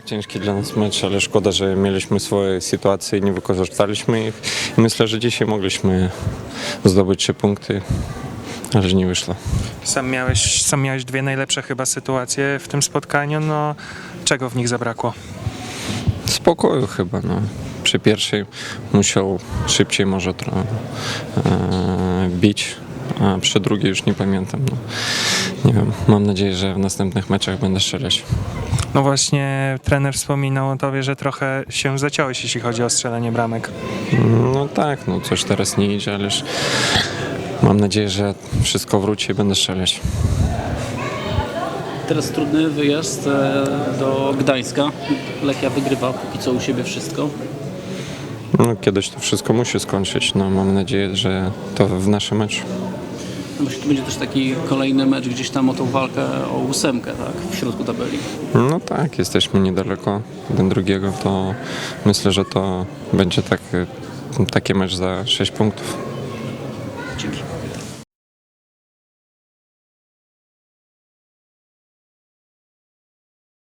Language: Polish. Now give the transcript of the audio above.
ciężki dla nas mecz, ale szkoda, że mieliśmy swoje sytuacje i nie wykorzystaliśmy ich. I myślę, że dzisiaj mogliśmy zdobyć 3 punkty, ale nie wyszło. Sam miałeś dwie najlepsze chyba sytuacje w tym spotkaniu, no czego w nich zabrakło? Spokoju chyba. No. Przy pierwszej musiał szybciej może trochę bić, a przy drugiej już nie pamiętam. No. Nie wiem, mam nadzieję, że w następnych meczach będę strzelać. No właśnie trener wspominał o tobie, że trochę się zaciąłeś, jeśli chodzi o strzelanie bramek. No tak, no coś teraz nie idzie, ależ mam nadzieję, że wszystko wróci i będę strzelać. Teraz trudny wyjazd do Gdańska. Lechia wygrywa póki co u siebie wszystko. No, kiedyś to wszystko musi skończyć. No, mam nadzieję, że to w naszym meczu. No bo to będzie też taki kolejny mecz gdzieś tam o tą walkę o 8, tak? W środku tabeli. No tak, jesteśmy niedaleko jeden drugiego, to myślę, że to będzie taki mecz za 6 punktów. Dzięki.